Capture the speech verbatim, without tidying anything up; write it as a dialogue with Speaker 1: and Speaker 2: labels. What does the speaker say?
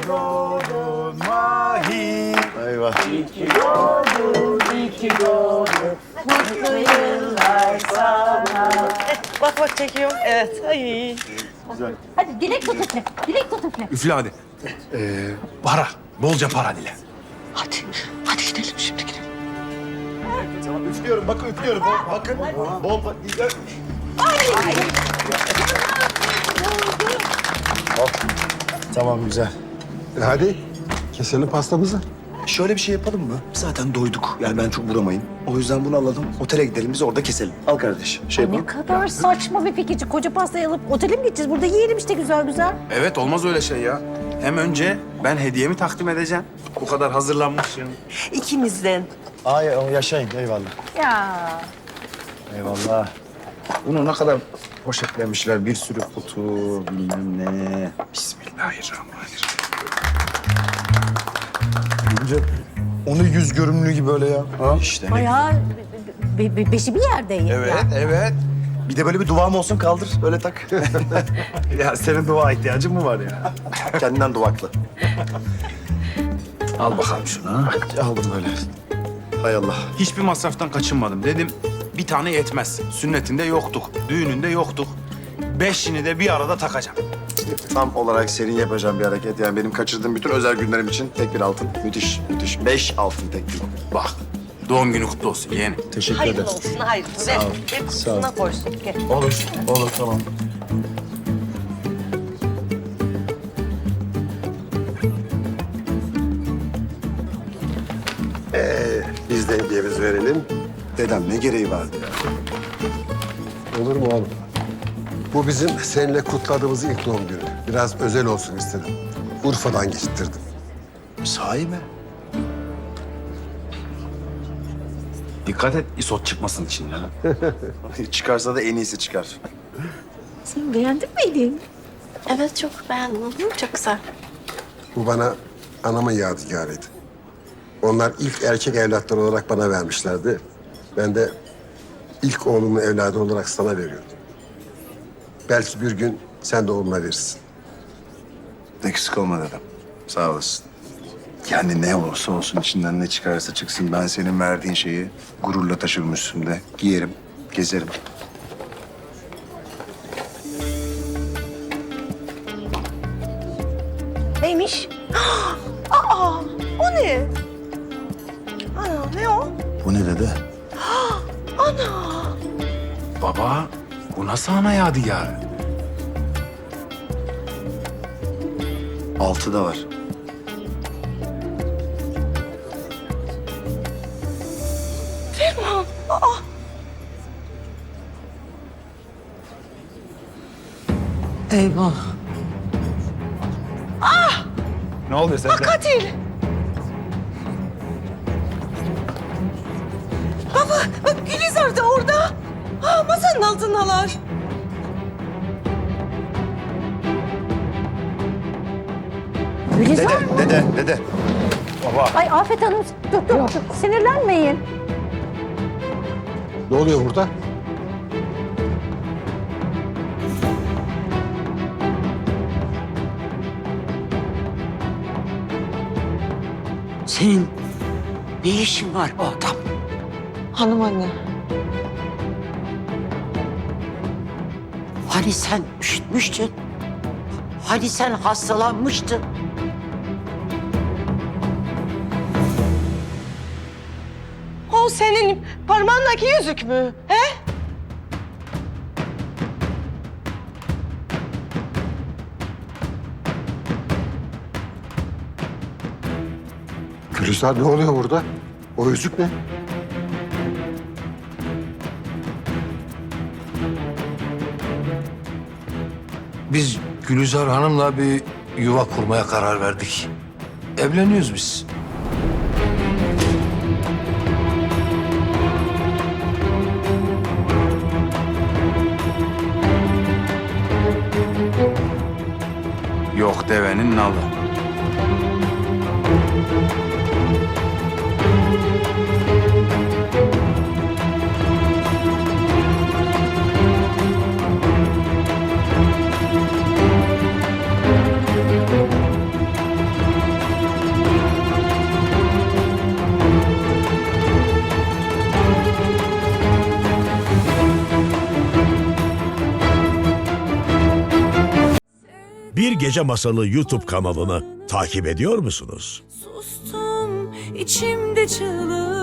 Speaker 1: doğdun Mahir.
Speaker 2: Eyvah.
Speaker 3: İyi ki doğdun, iyi ki doğdun. Mutlu yıllar sana.
Speaker 4: Bak bak çekiyorum. Evet. Ay.
Speaker 2: Güzel.
Speaker 5: Hadi dilek tut üfle. Dilek tut üfle.
Speaker 1: Üfle hadi. Ee, para. Bolca para dile.
Speaker 4: Hadi. Hadi gidelim şimdi gidelim.
Speaker 2: Tamam, üflüyorum. Bakın üflüyorum. Bol, bakın. Bol, bol. Oh, tamam, güzel.
Speaker 6: E hadi keselim pastamızı.
Speaker 2: Şöyle bir şey yapalım mı? Zaten doyduk. Yani ben çok vuramayın. O yüzden bunu alalım. Otele gidelim. Biz orada keselim. Al kardeş. Şey
Speaker 5: Ne
Speaker 2: yapalım.
Speaker 5: kadar saçma bir fikirci. Koca pastayı alıp otele mi gideceğiz? Burada yiyelim işte güzel güzel.
Speaker 1: Evet olmaz öyle şey ya. Hem önce ben hediyemi takdim edeceğim. Bu kadar hazırlanmışım.
Speaker 4: İkimizden.
Speaker 2: Ay, yaşayın. Eyvallah.
Speaker 5: Ya.
Speaker 2: Eyvallah. Bunu ne kadar poşetlemişler. Bir sürü kutu, bilmem ne.
Speaker 1: Bismillahirrahmanirrahim.
Speaker 2: Önce onu yüz görümlü gibi böyle ya. Ha? İşte.
Speaker 5: Bayağı be, be, beşi bir yerdeyim.
Speaker 1: Evet,
Speaker 5: ya.
Speaker 1: evet.
Speaker 2: Bir de böyle bir duam olsun, kaldır. Öyle tak.
Speaker 1: Ya senin dua ihtiyacın mı var ya?
Speaker 2: Kendinden duvaklı.
Speaker 1: Al bakalım şunu.
Speaker 2: Aldım böyle. Hay Allah.
Speaker 1: Hiçbir masraftan kaçınmadım. Dedim bir tane yetmez. Sünnetinde yoktuk, düğününde yoktuk. Beşini de bir arada takacağım.
Speaker 2: Tam olarak senin yapacağın bir hareket. Yani benim kaçırdığım bütün özel günlerim için tek bir altın. Müthiş, müthiş. Beş altın tek bir.
Speaker 1: Bak, doğum günü kutlu olsun yeğenim.
Speaker 2: Teşekkür
Speaker 4: Hayırlı
Speaker 2: ederim.
Speaker 4: olsun, hayırlı. Ver,
Speaker 2: ol,
Speaker 4: ver
Speaker 2: sağ ol.
Speaker 4: kutusuna koysun. Gel.
Speaker 2: Olur, olur, tamam.
Speaker 6: Ee, biz de hediyemizi verelim.
Speaker 2: Dedem ne gereği vardı ya?
Speaker 6: Olur mu oğlum? Bu bizim seninle kutladığımız ilk doğum günü. Biraz özel olsun istedim. Urfa'dan getirttirdim.
Speaker 2: Sahi mi?
Speaker 1: Dikkat et, isot çıkmasın içinden.
Speaker 2: Çıkarsa da en iyisi çıkar.
Speaker 5: Sen beğendin mi Elin?
Speaker 7: Evet çok beğendim. Çok güzel.
Speaker 6: Bu bana anamın yadigarıydı. Onlar ilk erkek evlatları olarak bana vermişlerdi. Ben de ilk oğlumun evladı olarak sana veriyordum. Belki bir gün sen de oğluna verirsin.
Speaker 2: Eksik olma dedem. Sağ olasın. Yani ne olursa olsun, içinden ne çıkarsa çıksın, ben senin verdiğin şeyi gururla taşırım üstümde. Giyerim, gezerim.
Speaker 4: Neymiş? Aa, o ne? Ana, ne o?
Speaker 2: Bu ne dede?
Speaker 1: Baba, bu nasıl ana yadigarı?
Speaker 2: Altı da var.
Speaker 4: Ferman, aa. Eyvah.
Speaker 1: Ne oluyor sende?
Speaker 4: Katil. Baba, bak Gülizar da orada. Ha, masanın altındalar.
Speaker 5: Gülizar.
Speaker 2: Dede, dede, dede.
Speaker 5: Ay Afet Hanım dur dur, dur. Sinirlenmeyin.
Speaker 6: Ne oluyor burada?
Speaker 3: Senin ne işin var bu adam?
Speaker 4: Hanım anne.
Speaker 3: Hani sen üşütmüştün? Hani sen hastalanmıştın?
Speaker 4: O senin parmağındaki yüzük mü? He?
Speaker 6: Gülizar ne oluyor burada? O yüzük ne?
Speaker 8: Biz Gülizar Hanım'la bir yuva kurmaya karar verdik. Evleniyoruz biz.
Speaker 1: Yok devenin nalı.
Speaker 9: Bir Gece Masalı YouTube kanalını takip ediyor musunuz?
Speaker 10: Sustum içimde çığlık.